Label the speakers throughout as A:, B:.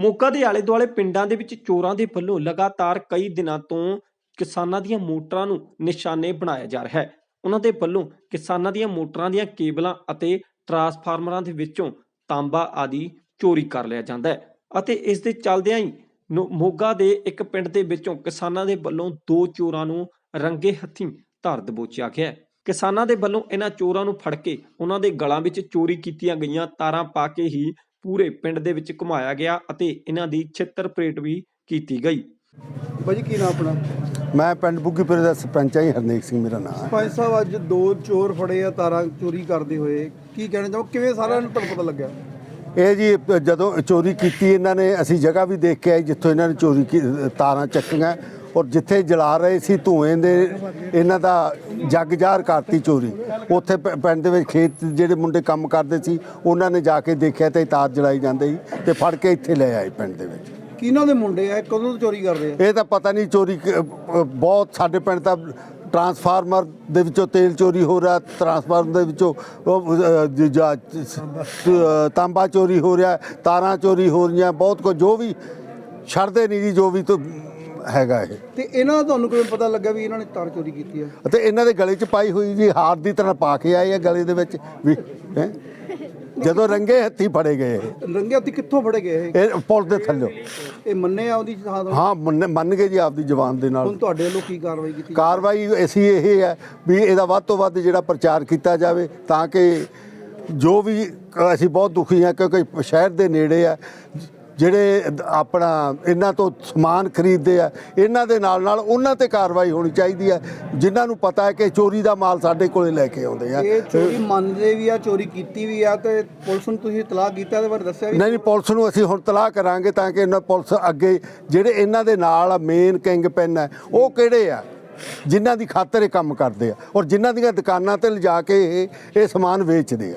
A: ਮੋਗਾ ਦੇ ਆਲੇ ਦੁਆਲੇ ਪਿੰਡਾਂ ਦੇ ਵਿੱਚ ਚੋਰਾਂ ਦੇ ਵੱਲੋਂ ਲਗਾਤਾਰ ਕਈ ਦਿਨਾਂ ਤੋਂ ਕਿਸਾਨਾਂ ਦੀਆਂ ਮੋਟਰਾਂ ਨੂੰ ਨਿਸ਼ਾਨੇ ਬਣਾਇਆ ਜਾ ਰਿਹਾ ਹੈ। ਉਹਨਾਂ ਦੇ ਵੱਲੋਂ ਕਿਸਾਨਾਂ ਦੀਆਂ ਮੋਟਰਾਂ ਦੀਆਂ ਕੇਬਲਾਂ ਅਤੇ ਟਰਾਂਸਫਾਰਮਰਾਂ ਦੇ ਵਿੱਚੋਂ ਤਾਂਬਾ ਆਦਿ ਚੋਰੀ ਕਰ ਲਿਆ ਜਾਂਦਾ ਹੈ ਅਤੇ ਇਸ ਦੇ ਚੱਲਦਿਆਂ ਹੀ ਮੋਗਾ ਦੇ ਇੱਕ ਪਿੰਡ ਦੇ ਵਿੱਚੋਂ ਕਿਸਾਨਾਂ ਦੇ ਵੱਲੋਂ 2 ਚੋਰਾਂ ਨੂੰ ਰੰਗੇ ਹੱਥੀਂ ਧਰ ਦਬੋਚਿਆ ਗਿਆ ਹੈ। ਕਿਸਾਨਾਂ ਦੇ ਵੱਲੋਂ ਇਹਨਾਂ ਚੋਰਾਂ ਨੂੰ ਫੜ ਕੇ ਉਹਨਾਂ ਦੇ ਗਲਾਂ ਵਿੱਚ ਚੋਰੀ ਕੀਤੀਆਂ ਗਈਆਂ ਤਾਰਾਂ ਪਾ ਕੇ ਹੀ ਪੂਰੇ ਪਿੰਡ ਦੇ ਵਿੱਚ ਘੁਮਾਇਆ ਗਿਆ ਅਤੇ ਇਹਨਾਂ ਦੀ ਛਿੱਤਰ ਪਰੇਡ ਵੀ ਕੀਤੀ ਗਈ।
B: ਭਾਜੀ ਕੀ ਨਾਮ ਆਪਣਾ?
C: ਮੈਂ ਪਿੰਡ ਬੁੱਗੀਪੁਰੇ ਦਾ ਸਰਪੰਚ ਹਾਂ, ਹਰਨੇਕ ਸਿੰਘ ਮੇਰਾ ਨਾਮ ਹੈ।
B: ਸਰਪੰਚ ਸਾਹਿਬ, ਅੱਜ 2 ਚੋਰ ਫੜੇ ਆ ਤਾਰਾਂ ਚੋਰੀ ਕਰਦੇ ਹੋਏ, ਕੀ ਕਹਿਣਾ ਚਾਹੋ, ਕਿਵੇਂ ਸਾਰਿਆਂ ਨੂੰ ਤੁਹਾਨੂੰ ਪਤਾ ਲੱਗਿਆ?
C: ਇਹ ਜੀ ਜਦੋਂ ਚੋਰੀ ਕੀਤੀ ਇਹਨਾਂ ਨੇ, ਅਸੀਂ ਜਗ੍ਹਾ ਵੀ ਦੇਖ ਕੇ ਆਏ ਜਿੱਥੋਂ ਇਹਨਾਂ ਨੇ ਚੋਰੀ ਤਾਰਾਂ ਚੱਕੀਆਂ ਔਰ ਜਿੱਥੇ ਜਲਾ ਰਹੇ ਸੀ ਧੂਏ ਦੇ ਇਹਨਾਂ ਦਾ ਜੱਗ ਜ਼ਾਹਰ ਕਰਤੀ ਚੋਰੀ। ਉੱਥੇ ਪਿੰਡ ਦੇ ਵਿੱਚ ਖੇਤ ਜਿਹੜੇ ਮੁੰਡੇ ਕੰਮ ਕਰਦੇ ਸੀ ਉਹਨਾਂ ਨੇ ਜਾ ਕੇ ਦੇਖਿਆ ਤੇ ਤਾਰ ਜਲਾਈ ਜਾਂਦੇ ਸੀ ਤੇ ਫੜ ਕੇ ਇੱਥੇ ਲੈ ਆਏ ਪਿੰਡ ਦੇ ਵਿੱਚ।
B: ਕਿਹਨਾਂ ਦੇ ਮੁੰਡੇ ਆ, ਕਦੋਂ ਤੋਂ ਚੋਰੀ ਕਰਦੇ ਆ?
C: ਇਹ ਤਾਂ ਪਤਾ ਨਹੀਂ, ਚੋਰੀ ਬਹੁਤ ਸਾਡੇ ਪਿੰਡ ਤਾਂ ਟਰਾਂਸਫਾਰਮਰ ਦੇ ਵਿੱਚੋਂ ਤੇਲ ਚੋਰੀ ਹੋ ਰਿਹਾ, ਟਰਾਂਸਫਾਰਮਰ ਦੇ ਵਿੱਚੋਂ ਤਾਂਬਾ ਚੋਰੀ ਹੋ ਰਿਹਾ, ਤਾਰਾਂ ਚੋਰੀ ਹੋ ਰਹੀਆਂ, ਬਹੁਤ ਕੁਝ ਜੋ ਵੀ ਛੱਡਦੇ ਨਹੀਂ ਜੀ, ਜੋ ਵੀ ਤੋਂ ਹੈਗਾ ਇਹ।
B: ਤੇ ਇਹਨਾਂ ਦਾ ਤੁਹਾਨੂੰ ਕਿਵੇਂ ਪਤਾ ਲੱਗਾ ਵੀ ਇਹਨਾਂ ਨੇ ਤਾਰ ਚੋਰੀ ਕੀਤੀ ਹੈ?
C: ਅਤੇ ਇਹਨਾਂ ਦੇ ਗਲੇ 'ਚ ਪਾਈ ਹੋਈ ਜੀ, ਹਾਰ ਦੀ ਤਰ੍ਹਾਂ ਪਾ ਕੇ ਆਏ ਆ ਗਲੇ ਦੇ ਵਿੱਚ ਵੀ ਜਦੋਂ ਰੰਗੇ ਹੱਥੀ ਫੜੇ ਗਏ।
B: ਰੰਗੇ ਹੱਥੀ ਕਿੱਥੋਂ ਫੜੇ ਗਏ
C: ਇਹ ਪੁਲ ਦੇ ਥੱਲੇ।
B: ਇਹ ਮੰਨੇ ਆ ਉਹਦੀ ਥਾਂ ਤੋਂ?
C: ਹਾਂ ਮੰਨ ਗਏ ਜੀ ਆਪਦੀ ਜ਼ੁਬਾਨ ਦੇ ਨਾਲ।
B: ਹੁਣ ਤੁਹਾਡੇ ਵੱਲੋਂ ਕੀ ਕਾਰਵਾਈ ਕੀਤੀ?
C: ਕਾਰਵਾਈ ਅਸੀਂ ਇਹ ਹੈ ਵੀ ਇਹਦਾ ਵੱਧ ਤੋਂ ਵੱਧ ਜਿਹੜਾ ਪ੍ਰਚਾਰ ਕੀਤਾ ਜਾਵੇ ਤਾਂ ਕਿ ਜੋ ਵੀ, ਅਸੀਂ ਬਹੁਤ ਦੁਖੀ ਹਾਂ ਕਿਉਂਕਿ ਸ਼ਹਿਰ ਦੇ ਨੇੜੇ ਆ ਜਿਹੜੇ ਆਪਣਾ ਇਹਨਾਂ ਤੋਂ ਸਮਾਨ ਖਰੀਦਦੇ ਆ, ਇਹਨਾਂ ਦੇ ਨਾਲ ਨਾਲ ਉਹਨਾਂ ਤੇ ਕਾਰਵਾਈ ਹੋਣੀ ਚਾਹੀਦੀ ਹੈ ਜਿਨ੍ਹਾਂ ਨੂੰ ਪਤਾ ਹੈ ਕਿ ਚੋਰੀ ਦਾ ਮਾਲ ਸਾਡੇ ਕੋਲੇ ਲੈ ਕੇ ਆਉਂਦੇ ਆ।
B: ਇਹ ਚੋਰੀ ਮੰਨਦੇ ਵੀ ਆ, ਚੋਰੀ ਕੀਤੀ ਵੀ ਆ, ਤੇ ਪੁਲਿਸ ਨੂੰ ਤੁਸੀਂ ਇਤਲਾਹ ਕੀਤਾ ਇਹਦੇ ਬਾਰੇ ਦੱਸਿਆ ਵੀ?
C: ਨਹੀਂ, ਪੁਲਿਸ ਨੂੰ ਅਸੀਂ ਹੁਣ ਇਤਲਾਹ ਕਰਾਂਗੇ ਤਾਂ ਕਿ ਇਹਨਾਂ ਪੁਲਿਸ ਅੱਗੇ ਜਿਹੜੇ ਇਹਨਾਂ ਦੇ ਨਾਲ ਮੇਨ ਕਿੰਗ ਪਿੰਨ ਹੈ ਉਹ ਕਿਹੜੇ ਆ ਜਿਨ੍ਹਾਂ ਦੀ ਖਾਤਰ ਇਹ ਕੰਮ ਕਰਦੇ ਆ ਔਰ ਜਿਨ੍ਹਾਂ ਦੀਆਂ ਦੁਕਾਨਾਂ ਤੇ ਲਿਜਾ ਕੇ ਇਹ ਸਮਾਨ ਵੇਚਦੇ ਆ।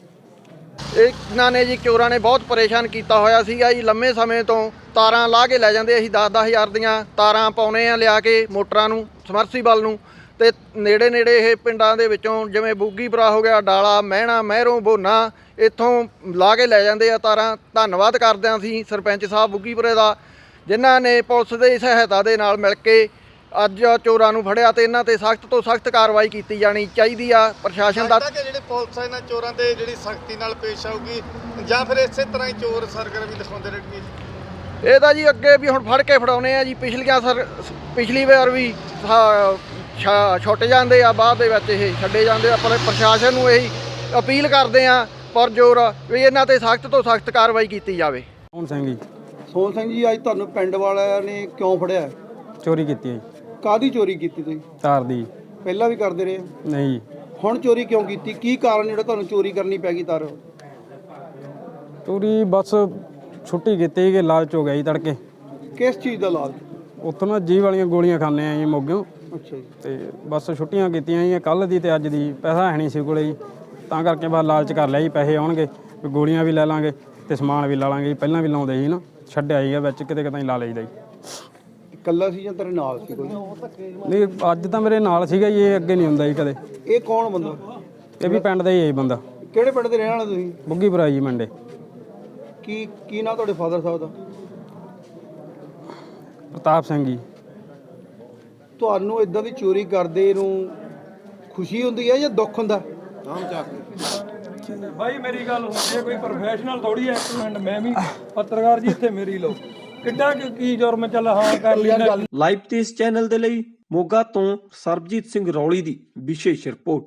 D: ਇਹਨਾਂ ਨੇ ਜੀ ਚੋਰਾਂ ਨੇ ਬਹੁਤ ਪਰੇਸ਼ਾਨ ਕੀਤਾ ਹੋਇਆ ਸੀਗਾ ਜੀ। ਲੰਮੇ ਸਮੇਂ ਤੋਂ ਤਾਰਾਂ ਲਾ ਕੇ ਲੈ ਜਾਂਦੇ, ਅਸੀਂ 10-10 ਹਜ਼ਾਰ ਦੀਆਂ ਤਾਰਾਂ ਪਾਉਨੇ ਆ ਲਿਆ ਕੇ ਮੋਟਰਾਂ ਨੂੰ, ਸਮਰਸੀਬਲ ਨੂੰ, ਤੇ ਨੇੜੇ ਇਹ ਪਿੰਡਾਂ ਦੇ ਵਿੱਚੋਂ ਜਿਵੇਂ ਬੁੱਗੀਪੁਰਾ ਹੋ ਗਿਆ, ਡਾਲਾ, ਮਹਿਣਾ, ਮਹਿਰੋਂ, ਬੋਨਾ, ਇੱਥੋਂ ਲਾ ਕੇ ਲੈ ਜਾਂਦੇ ਆ ਤਾਰਾਂ। ਧੰਨਵਾਦ ਕਰਦੇ ਹਾਂ ਅਸੀਂ ਸਰਪੰਚ ਸਾਹਿਬ ਬੁੱਗੀਪੁਰੇ ਦਾ ਜਿਨ੍ਹਾਂ ਨੇ ਪੁਲਿਸ ਦੀ ਸਹਾਇਤਾ ਦੇ ਨਾਲ ਮਿਲ ਕੇ ਅੱਜ ਚੋਰਾਂ ਨੂੰ ਫੜਿਆ ਤੇ ਇਹਨਾਂ ਤੇ ਸਖਤ ਤੋਂ ਸਖਤ ਕਾਰਵਾਈ ਕੀਤੀ ਜਾਣੀ ਚਾਹੀਦੀ ਆ। ਪ੍ਰਸ਼ਾਸਨ ਦਾ
E: ਜਿਹੜੇ ਪੁਲਿਸ ਇਹਨਾਂ ਚੋਰਾਂ ਤੇ ਜਿਹੜੀ ਸਖਤੀ ਨਾਲ ਪੇਸ਼ ਆਊਗੀ ਜਾਂ ਫਿਰ ਇਸੇ ਤਰ੍ਹਾਂ ਹੀ ਚੋਰ ਸਰਗਰਮੀ ਦਿਖਾਉਂਦੇ ਰਹਿਣਗੇ?
D: ਇਹ ਤਾਂ ਜੀ ਅੱਗੇ ਵੀ ਹੁਣ ਫੜ ਕੇ ਫੜਾਉਣੇ ਆ ਜੀ। ਪਿਛਲੀ ਵਾਰ ਵੀ ਛੁੱਟ ਜਾਂਦੇ ਆ, ਬਾਅਦ ਦੇ ਵਿੱਚ ਇਹ ਛੱਡੇ ਜਾਂਦੇ ਆ। ਪਰ ਪ੍ਰਸ਼ਾਸਨ ਨੂੰ ਇਹੀ ਅਪੀਲ ਕਰਦੇ ਆ ਪੁਰਜ਼ੋਰ ਵੀ ਇਹਨਾਂ ਤੇ ਸਖਤ ਤੋਂ ਸਖਤ ਕਾਰਵਾਈ ਕੀਤੀ ਜਾਵੇ।
B: ਸੋਹਣ ਸਿੰਘ ਜੀ, ਅੱਜ ਤੁਹਾਨੂੰ ਪਿੰਡ ਵਾਲਿਆਂ ਨੇ ਕਿਉਂ ਫੜਿਆ?
F: ਚੋਰੀ ਕੀਤੀ ਹੈ ਜੀ।
B: ਕਾਹਦੀ ਚੋਰੀ ਕੀਤੀ ਤੁਸੀਂ?
F: ਤਾਰ ਦੀ।
B: ਪਹਿਲਾਂ ਵੀ ਕਰਦੇ ਰਹੇ?
F: ਨਹੀਂ।
B: ਹੁਣ ਚੋਰੀ ਕਿਉਂ ਕੀਤੀ? ਕੀ ਕਾਰਨ ਜਿਹੜਾ ਤੁਹਾਨੂੰ ਚੋਰੀ ਕਰਨੀ ਪੈ ਗਈ ਤਾਰ?
F: ਚੋਰੀ ਬਸ ਛੁੱਟੀ ਕੀਤੀ ਕਿ ਲਾਲਚ ਹੋ ਗਿਆ ਜੀ ਤੜਕੇ।
B: ਕਿਸ ਚੀਜ਼ ਦਾ ਲਾਲਚ?
F: ਉੱਥੋਂ ਨਾ ਜੀ ਵਾਲੀਆਂ ਗੋਲੀਆਂ ਖਾਂਦੇ ਆ ਜੀ ਮੋਗਿਓ।
B: ਅੱਛਾ ਜੀ।
F: ਤੇ ਬਸ ਛੁੱਟੀਆਂ ਕੀਤੀਆਂ ਜੀ ਕੱਲ੍ਹ ਦੀ ਤੇ ਅੱਜ ਦੀ। ਪੈਸਾ ਹੈ ਨਹੀਂ ਸੀ ਕੋਲੇ ਜੀ, ਤਾਂ ਕਰਕੇ ਬਸ ਲਾਲਚ ਕਰ ਲਿਆ ਜੀ। ਪੈਸੇ ਆਉਣਗੇ ਵੀ ਗੋਲੀਆਂ ਵੀ ਲੈ ਲਾਂਗੇ ਤੇ ਸਮਾਨ ਵੀ ਲਾ ਲਾਂਗੇ ਜੀ। ਪਹਿਲਾਂ ਵੀ ਲਾਉਂਦੇ ਸੀ ਨਾ, ਛੱਡਿਆ ਜੀ ਵਿੱਚ ਕਿਤੇ ਕਿਤੇ ਲਾ ਲਈਦਾ ਜੀ।
B: ਇਕੱਲਾ ਸੀ ਜਾਂ ਤੇਰੇ ਨਾਲ ਸੀ ਕੋਈ?
F: ਨਹੀਂ, ਅੱਜ ਤਾਂ ਮੇਰੇ ਨਾਲ ਸੀਗਾ ਜੀ, ਇਹ ਅੱਗੇ ਨਹੀਂ ਹੁੰਦਾ ਜੀ ਕਦੇ।
B: ਇਹ ਕੌਣ ਬੰਦਾ?
F: ਇਹ ਵੀ ਪਿੰਡ ਦਾ ਹੀ ਹੈ ਜੀ ਬੰਦਾ।
B: ਕਿਹੜੇ ਪਿੰਡ ਦੇ ਰਹਿਣ ਵਾਲੇ ਤੁਸੀਂ?
F: ਬੁੱਗੀਪੁਰਾ ਜੀ ਮੰਡੇ।
B: ਕੀ ਨਾਂ ਤੁਹਾਡੇ ਫਾਦਰ ਸਾਹਿਬ ਦਾ?
F: ਪ੍ਰਤਾਪ ਸਿੰਘ ਜੀ।
B: ਤੁਹਾਨੂੰ ਇਦਾਂ ਦੀ ਚੋਰੀ ਕਰਦੇ ਨੂੰ ਖੁਸ਼ੀ ਹੁੰਦੀ ਹੈ ਜਾਂ ਦੁੱਖ ਹੁੰਦਾ?
G: ਭਾਈ ਮੇਰੀ ਗੱਲ ਹੁੰਦੀ ਹੈ, ਕੋਈ ਪ੍ਰੋਫੈਸ਼ਨਲ ਥੋੜੀ ਹੈ। ਇੱਕ ਮਿੰਟ, ਮੈਂ ਵੀ ਪੱਤਰਕਾਰ ਜੀ, ਇੱਥੇ ਮੇਰੀ ਲਓ ਕਿੱਡਾ ਕੀ ਜੁਰਮ ਚੱਲ ਹਾਂ ਕਰ ਲਈ।
A: ਲਾਈਵ ਤੇ ਇਸ ਚੈਨਲ ਦੇ ਲਈ ਮੋਗਾ ਤੋਂ ਸਰਬਜੀਤ ਸਿੰਘ ਰੌਲੀ ਦੀ ਵਿਸ਼ੇਸ਼ ਰਿਪੋਰਟ।